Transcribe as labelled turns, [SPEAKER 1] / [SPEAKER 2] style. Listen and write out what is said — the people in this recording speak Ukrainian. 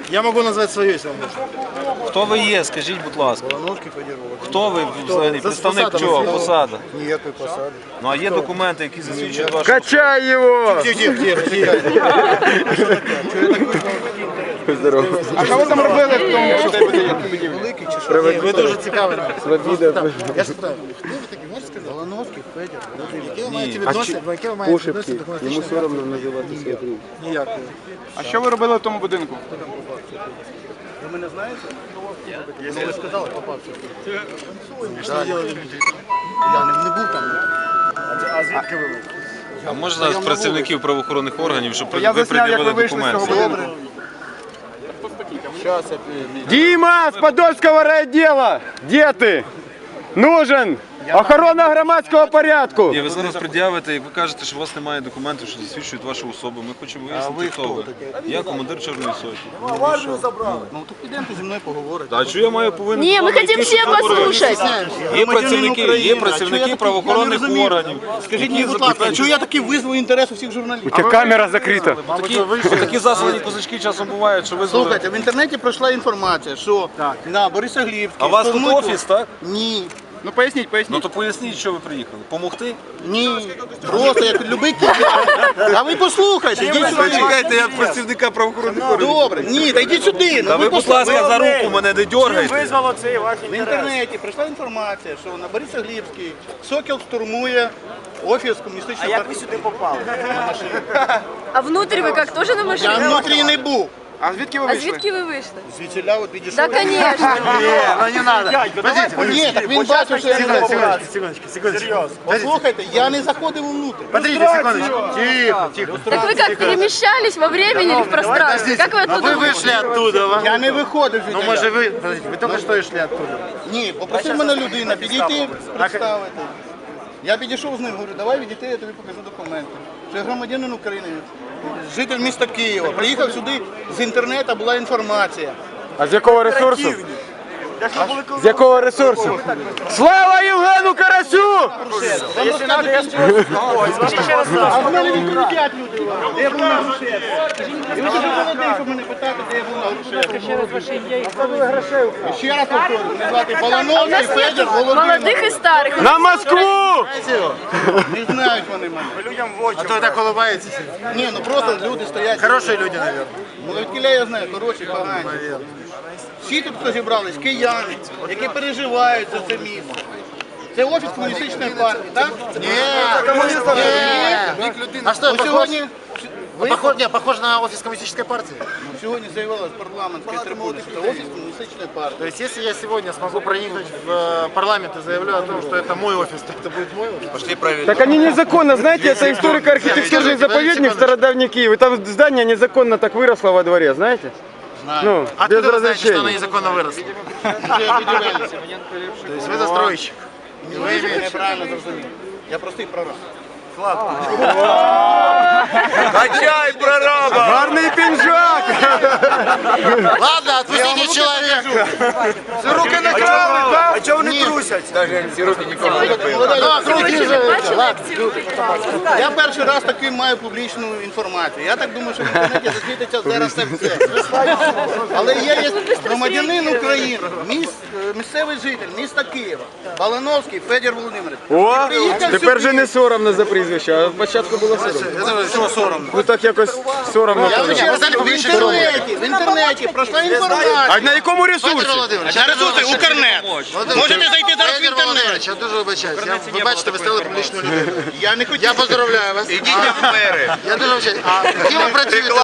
[SPEAKER 1] Я могу назвать свое, если вам нужно.
[SPEAKER 2] Хто ви є, скажіть, будь ласка.
[SPEAKER 1] Волновки Федерова.
[SPEAKER 2] Хто ви взагалі? Представник чого? Посада?
[SPEAKER 1] Никакой посады.
[SPEAKER 2] Ну а є документи, які засвідчують вашу...
[SPEAKER 3] Качай его!
[SPEAKER 1] Тихо.
[SPEAKER 3] Здорово.
[SPEAKER 4] А що ви там робили в тому, що
[SPEAKER 1] Великий чи що? Ви дуже цікаві. Я ж питаю, хто ви такі, можете сказати? Волновки Федір. Яке ви маєте відносини до документів?
[SPEAKER 3] Йому соромно називати своє прізвище.
[SPEAKER 1] Ніякого.
[SPEAKER 4] А що ви робили в тому будинку?
[SPEAKER 1] Ви мене знаєте? Ну, ви сказали, попався. Що ви робили? Я не був там. А звідки ви були?
[SPEAKER 2] А можна зараз працівників правоохоронних органів, щоб
[SPEAKER 4] Я
[SPEAKER 2] ви
[SPEAKER 4] засняв, як ви
[SPEAKER 2] пред'явили
[SPEAKER 4] вийшли з цього
[SPEAKER 2] документи?
[SPEAKER 4] будинку.
[SPEAKER 3] Дима, с Подольского райотдела! Где ты? Нужен! Охорона громадського порядку!
[SPEAKER 2] Ні, ви зараз пред'явите, як ви кажете, що у вас немає документів, що засвідчують вашу особу. Ми хочемо вияснити, хто ви. Я командир Чорної Сотні.
[SPEAKER 1] Ну, то підемте зі мною поговорити.
[SPEAKER 2] А що я маю повинен?
[SPEAKER 5] Не, мы хотим все послушать.
[SPEAKER 2] Є працівники правоохоронних органів.
[SPEAKER 1] Скажіть мені, будь ласка, чого я такий визвав інтерес у всіх
[SPEAKER 3] У
[SPEAKER 1] журналістів?
[SPEAKER 3] тебя камера закрыта.
[SPEAKER 2] Такі заслані козачки часом бувають, що ви...
[SPEAKER 1] Слухайте, в інтернеті пройшла інформація, що на Борисоглібській...
[SPEAKER 2] А у вас тут
[SPEAKER 1] штурмують-
[SPEAKER 2] офіс, так?
[SPEAKER 1] Ні.
[SPEAKER 4] Ну поясніть,
[SPEAKER 2] Ну
[SPEAKER 4] поясніть.
[SPEAKER 2] то поясніть, що ви приїхали. Помогти?
[SPEAKER 1] Ні. Просто як любий киян. А ви послухайте, йдіть сюди.
[SPEAKER 2] Чекайте, я працівника правоохоронних органів.
[SPEAKER 1] Добре, ні, та йдіть сюди.
[SPEAKER 2] Та ви, будь ласка, за руку мене не дьоргайте.
[SPEAKER 1] В інтернеті пройшла інформація, що на Борисоглібській Сокіл штурмує офіс комуністичної партії. А як ви сюди попали?
[SPEAKER 5] А внутрь вы как, тоже на
[SPEAKER 1] Я
[SPEAKER 5] машине?
[SPEAKER 1] внутрі не був.
[SPEAKER 4] А звідки ви
[SPEAKER 5] А
[SPEAKER 4] вийшли?
[SPEAKER 5] звідки ви вийшли?
[SPEAKER 1] Звідсіля от відійшов.
[SPEAKER 5] Да, конечно.
[SPEAKER 1] Ну не надо. Ні, так він бачив, що я не попав. Серйозно. Послухайте, я не заходив внутрь. Подождите секундочку. Тихо.
[SPEAKER 5] Так вы как, перемещались во времени или в пространстве? Как вы оттуда вышли?
[SPEAKER 1] оттуда. Я не виходив звідти.
[SPEAKER 6] Ну, може ви, подождите, ви тільки що йшли оттуда.
[SPEAKER 1] Ні, попросив мене людина підійти, представити. Я підійшов з ним, говорю, давай відійти, я тобі покажу документи. Що я громадянин України, житель міста Києва. Приїхав сюди, з інтернету була інформація.
[SPEAKER 3] А з якого ресурсу? З якого ресурсу? Слава Євгену Карасю!
[SPEAKER 1] А в мене відповідять люди. Де я був на Грушевську? І ви дуже молодий, щоб мене питати, де я був на Грушевську. І ще раз повторюю, мене звати Балановський Федір Володимир.
[SPEAKER 5] Молодых и старых.
[SPEAKER 3] На Москву!
[SPEAKER 1] Не знають вони мене.
[SPEAKER 6] А то ви так улыбаєтеся.
[SPEAKER 1] Ні, ну просто люди стоять.
[SPEAKER 6] Хороші люди, мабуть.
[SPEAKER 1] Ну відкіля я знаю, хороші, погані. Всі тут, хто зібрались, кияни, які переживають за це місто. Це офіс комуністичної партії, так? Ні.
[SPEAKER 6] А що,
[SPEAKER 1] Ось сьогодні,
[SPEAKER 6] похож на офис коммунистической партии?
[SPEAKER 1] сьогодні заявила з парламентської трибуни, що це офіс комуністичної партії.
[SPEAKER 6] То есть, если я сегодня смогу проникнуть в парламент и заявлю о том, что это мой офис, то это будет мой офис?
[SPEAKER 2] Пошли правильно.
[SPEAKER 3] Так они незаконно, знаете, это историко-архитектурный заповедник Стародавний Киев. И там здание незаконно так выросло во дворе, знаете? Ну, без
[SPEAKER 6] Откуда вы знаете, что оно
[SPEAKER 3] разрешения.
[SPEAKER 6] незаконно выросло?
[SPEAKER 1] Вже виділилися.
[SPEAKER 6] То есть вы застройщик?
[SPEAKER 1] Ви неправильно зрозуміли. Я простий прораб.
[SPEAKER 2] Качай, прораба!
[SPEAKER 3] Гарный пинжак!
[SPEAKER 6] Ладно, отпустите человека.
[SPEAKER 1] Це руки не крали, так?
[SPEAKER 6] А чего они трусят?
[SPEAKER 1] Я перший раз таки маю публічну інформацію. Я так думаю, що в інтернеті засвітиться зараз це все. Але я є громадянин України, місцевий житель міста Києва, Балановський Федір Володимирович.
[SPEAKER 3] О,
[SPEAKER 1] Приїхав
[SPEAKER 3] тепер же
[SPEAKER 1] сюди.
[SPEAKER 3] не соромно за прізвище, а спочатку було соромно.
[SPEAKER 1] Чого соромно?
[SPEAKER 3] Ну так якось соромно.
[SPEAKER 1] Я в інтернеті пройшла інформація.
[SPEAKER 3] А на якому ресурсі?
[SPEAKER 1] На ресурси Укрнет. Можете зайти зараз в інтернет.
[SPEAKER 6] Я дуже вибачаюсь. Ви бачите, ви стали публічною людиною.
[SPEAKER 1] Я не хотів.
[SPEAKER 6] Я поздравляю вас.
[SPEAKER 2] Ідіть в мери.
[SPEAKER 6] Я дуже вибачаюсь. А ким ви працюєте?